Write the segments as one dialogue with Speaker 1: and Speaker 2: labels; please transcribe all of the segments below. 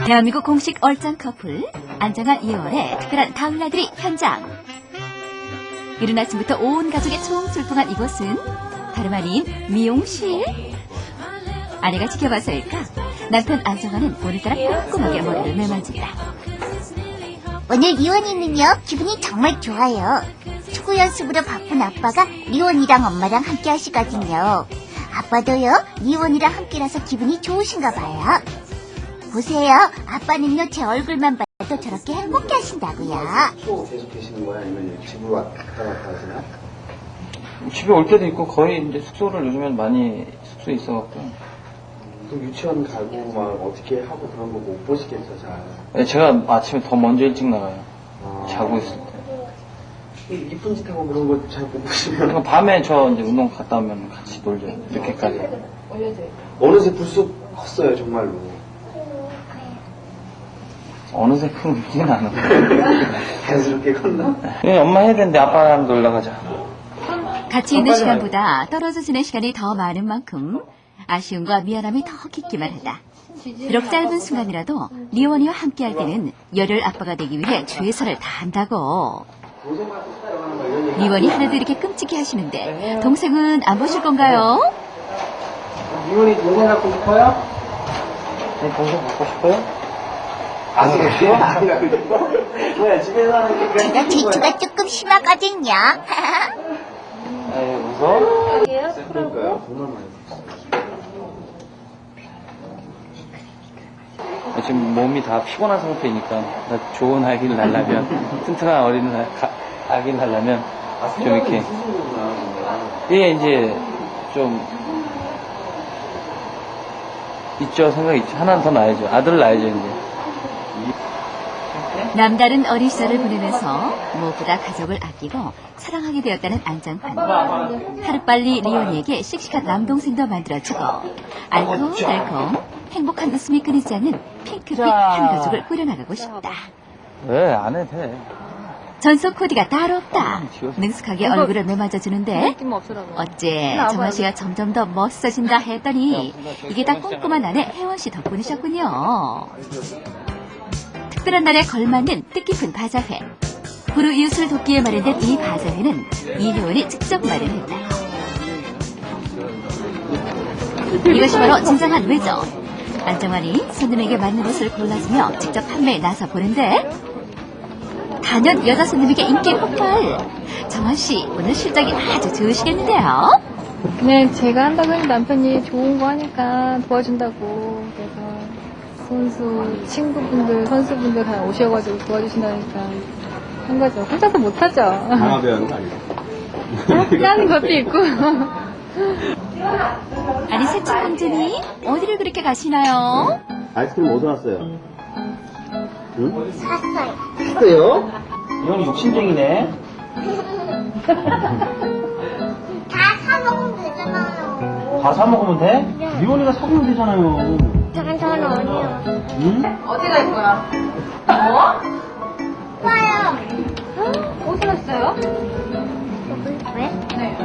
Speaker 1: 대한민국 공식 얼짱 커플 안정환 이월의 특별한 다음날들이 현장. 이른 아침부터 온 가족의 총출동한 이곳은 다름 아닌 미용실. 아내가 지켜봐서일까 남편 안정환은 오늘따라 꼼꼼하게 머리를 매만진다.
Speaker 2: 오늘 리원이는요 기분이 정말 좋아요. 축구 연습으로 바쁜 아빠가 리원이랑 엄마랑 함께 하시거든요. 아빠도요 리원이랑 함께라서 기분이 좋으신가 봐요. 보세요, 아빠는요 제 얼굴만 봐도 저렇게 행복해 하신다고요.
Speaker 3: 숙소 계속 계시는 거야? 아니면 집으로 왔다 갔다 하시나?
Speaker 4: 집에 올 때도 있고 거의 이제 숙소를 요즘엔 많이 숙소에 있어갖고.
Speaker 3: 그럼 유치원 가고 막 어떻게 하고 그런 거 못 보시겠어, 잘.
Speaker 4: 네, 제가 아침에 더 먼저 일찍 나가요.
Speaker 3: 아.
Speaker 4: 자고 있을 때.
Speaker 3: 이쁜 짓 하고 그런 거 잘 못 보시면.
Speaker 4: 그러니까 밤에 저 이제 운동 갔다 오면 같이 놀죠. 이렇게까지.
Speaker 3: 어느새 불쑥 컸어요, 정말로.
Speaker 4: 어느새 크진 않아.
Speaker 3: 자연스럽게 컸나?
Speaker 4: 네, 엄마 해야 되는데 아빠랑 놀러 가자.
Speaker 1: 같이 있는 시간보다 떨어져 지낸 시간이 더 많은 만큼 아쉬움과 미안함이 더 깊기만 하다. 비록 짧은 순간이라도 리원이와 함께할 때는 열혈 아빠가 되기 위해 최선을 다한다고. 리원이 하나도 이렇게 끔찍해 하시는데 동생은 안 보실 건가요?
Speaker 4: 리원이 동생 갖고 싶어요? 네, 동생 갖고 싶어요?
Speaker 3: 안 그래요? 안 그래요? 뭐야, 집에서 하는 게.
Speaker 2: 제가 질투가 조금 심하거든요.
Speaker 4: 에이, 무서워?
Speaker 3: 그러니까요, 정말 많이
Speaker 4: 지금 몸이 다 피곤한 상태이니까 나 좋은 아기를 낳으려면 튼튼한 어린 아기를 낳으려면 좀 이렇게 이게 이제 좀 있죠. 생각이 있죠. 하나는 더 낳아야죠. 아들을 낳아야죠 이제.
Speaker 1: 남다른 어린 시절을 보내면서 무엇보다 가족을 아끼고 사랑하게 되었다는 안정환. 하루빨리 리원이에게 씩씩한 남동생도 만들어주고 알콩달콩 행복한 웃음이 끊이지 않는 핑크빛 한 가족을 꾸려나가고 싶다.
Speaker 4: 왜 안 해도 돼.
Speaker 1: 전속 코디가 따로 없다. 능숙하게 얼굴을 매맞아주는데 어째 정환 씨가 점점 더 멋있어진다 했더니 이게 다 꼼꼼한 아내 혜원 씨 덕분이셨군요. 특별한 날에 걸맞는 뜻깊은 바자회. 부르 이웃을 돕기에 마련된 이 바자회는 이혜원이 직접 마련했다. 이것이 바로 진정한 외적. 안정환이 손님에게 맞는 옷을 골라주며 직접 판매에 나서 보는데 단연 여자 손님에게 인기 폭발. 정환씨 오늘 실적이 아주 좋으시겠는데요?
Speaker 5: 네, 제가 한다고 했는데 남편이 좋은 거 하니까 도와준다고. 그래서 선수 친구분들, 선수분들 다 오셔가지고 도와주신다니까 한 거죠. 혼자서 못하죠.
Speaker 3: 강화배우는 아니고.
Speaker 5: 하는 것도 있고.
Speaker 1: 아니 새친 공주님 어디를 그렇게 가시나요?
Speaker 3: 아이스크림 어디서 왔어요? 응?
Speaker 2: 샀어요.
Speaker 3: 샀어요?
Speaker 4: 이건 욕심쟁이네.
Speaker 2: 다 사 먹으면 되잖아요.
Speaker 4: 다 사 먹으면 돼? 리원이가 사주면 되잖아요.
Speaker 2: 저는 아니요.
Speaker 4: 응?
Speaker 5: 어디 갈 거야?
Speaker 2: 와요.
Speaker 5: 어디 갔어요?
Speaker 2: 왜?
Speaker 5: 네.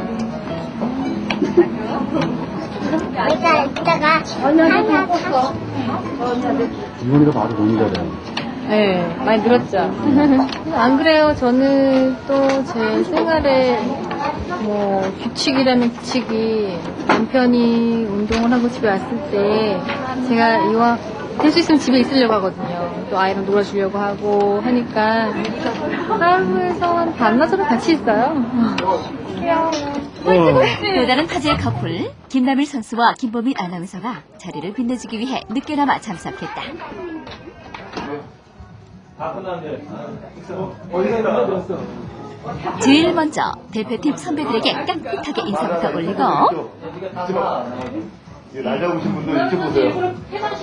Speaker 2: 내가 이따가 하나 사.
Speaker 3: 이원이가 바로 너무 잘해.
Speaker 5: 네, 많이 늘었죠. 안 그래요. 저는 또 제 생활에 뭐 규칙이라는 규칙이 남편이 운동을 하고 집에 왔을 때 제가 이왕 될 수 있으면 집에 있으려고 하거든요. 또 아이랑 놀아주려고 하고 하니까 하루에서 한 반나절은 같이 있어요.
Speaker 1: 또 다른 화제의 커플 김남일 선수와 김보민 아나운서가 자리를 빛내주기 위해 늦게나마 참석했다. 제일 먼저 대표팀 선배들에게 깍듯하게 인사부터 올리고
Speaker 3: 날 잡으신 분들 이쪽 보세요.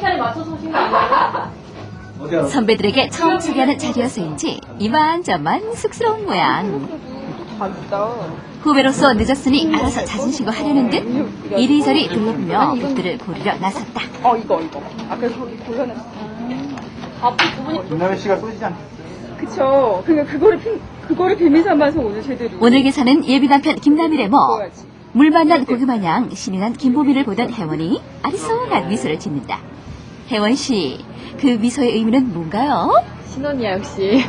Speaker 1: 선배들에게 처음 소개하는 자리여서인지 이만저만 쑥스러운 모양. 후배로서 늦었으니 알아서 자진신고 하려는 듯 이리저리 둘러보며 옷들을 고르려 나섰다.
Speaker 5: 이거. 아까 거기 골라놨어. 앞에 두 분이.
Speaker 3: 김남일 씨가 쏘시지 않겠어요?
Speaker 5: 그쵸. 그러니까 그거를 비밀 삼아서 오늘 제대로.
Speaker 1: 오늘 계산은 예비 남편 김남일의 뭐.
Speaker 5: 먹어야지.
Speaker 1: 물 만난 고기 마냥 신이 난 김보민을 보던 혜원이 아리송한 미소를 짓는다. 혜원 씨, 그 미소의 의미는 뭔가요?
Speaker 5: 신혼이야, 역시.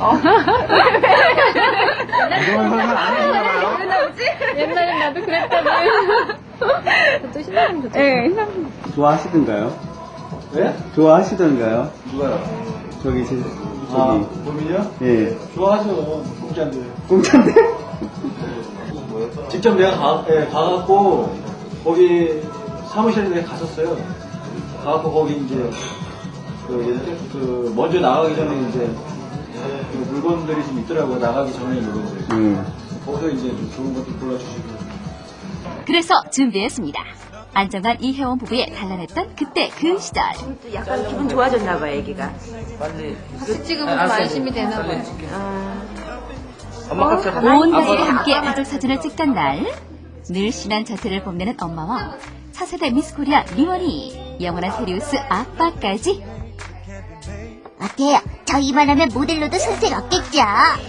Speaker 5: 옛날엔 나도 그랬다니. 또 신나면 좋죠. 네,
Speaker 6: 좋아하시던가요?
Speaker 3: 네?
Speaker 6: 좋아하시던가요?
Speaker 3: 누가요?
Speaker 6: 저기
Speaker 3: 범인이요?
Speaker 6: 예.
Speaker 3: 좋아하죠. 공짜인데.
Speaker 6: 공짜인데?
Speaker 3: 직접 내가 가갖고 거기 사무실에 내가 갔었어요. 가갖고 거기 이제 그 먼저 나가기 전에 이제 그 물건들이 좀 있더라고요. 나가기 전에 물건들. 거기서 이제 좀 좋은 것도 골라주시고.
Speaker 1: 그래서 준비했습니다. 안정환 이혜원 부부의 단란했던 그때 그 시절.
Speaker 7: 약간 기분 좋아졌나 봐요, 애기가.
Speaker 4: 빨리.
Speaker 5: 같이 찍으면 좀 안심이 되나 봐요.
Speaker 4: 엄마 같이
Speaker 1: 온 가족이 함께 가족 사진을 찍던 날, 늘씬한 자태를 뽐내는 엄마와 차세대 미스코리아 리원이, 영원한 테리우스 아빠까지.
Speaker 2: 어때요? 저 이만하면 모델로도 손색 없겠죠?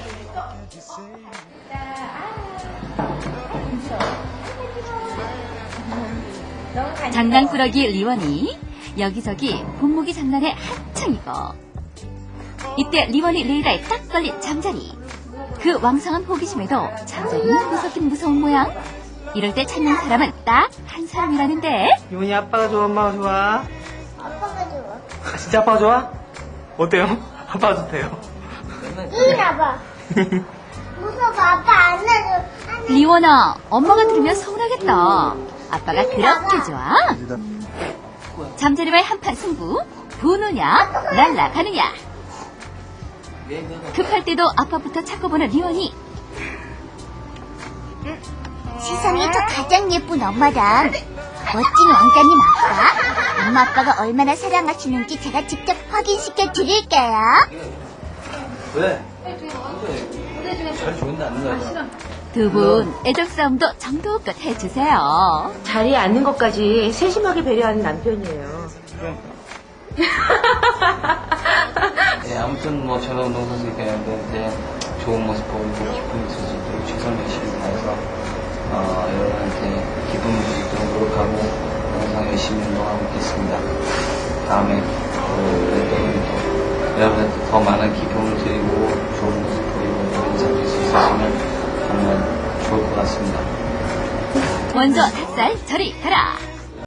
Speaker 1: 장난꾸러기 리원이 여기저기 본무기 장난에 한창이고, 이때 리원이 레이라에 딱 걸린 잠자리. 그 왕성한 호기심에도 잠자리는 무섭긴 무서운 모양. 이럴 때 찾는 사람은 딱 한 사람이라는데.
Speaker 8: 이원이 아빠가 좋아, 엄마가 좋아?
Speaker 2: 아빠가 좋아.
Speaker 8: 아, 진짜 아빠가 좋아? 어때요? 아빠가 좋대요.
Speaker 2: 일어나봐. 무서워, 아빠 안 나줘.
Speaker 1: 리원아, 엄마가 들으면 서운하겠다. 아빠가 그렇게 좋아? 잠자리와의 한판 승부. 보느냐 날아가느냐. 급할 때도 아빠부터 찾고 보는 리원이.
Speaker 2: 세상에서 가장 예쁜 엄마랑 멋진 왕자님 아빠, 엄마 아빠가 얼마나 사랑하시는지 제가 직접 확인시켜 드릴게요.
Speaker 4: 왜? 잘 좋은데 안 나가.
Speaker 1: 두 분 애적 싸움도 정도껏 해주세요.
Speaker 7: 자리에 앉는 것까지 세심하게 배려하는 남편이에요.
Speaker 4: 네, 아무튼 뭐 저는 운동선수 되는데 이제 좋은 모습 보이고 기쁨이 있을 수 있도록 최선을 열심히 다해서 여러분한테 기쁨을 줄 수 있도록 노력하고 항상 열심히 운동하고 있겠습니다. 다음에 여러분한테 더 많은 기쁨을 드리고 좋은 모습 보이고 인사드릴 수 있으시면 정말 좋을 것 같습니다.
Speaker 1: 먼저 닭살 저리 가라.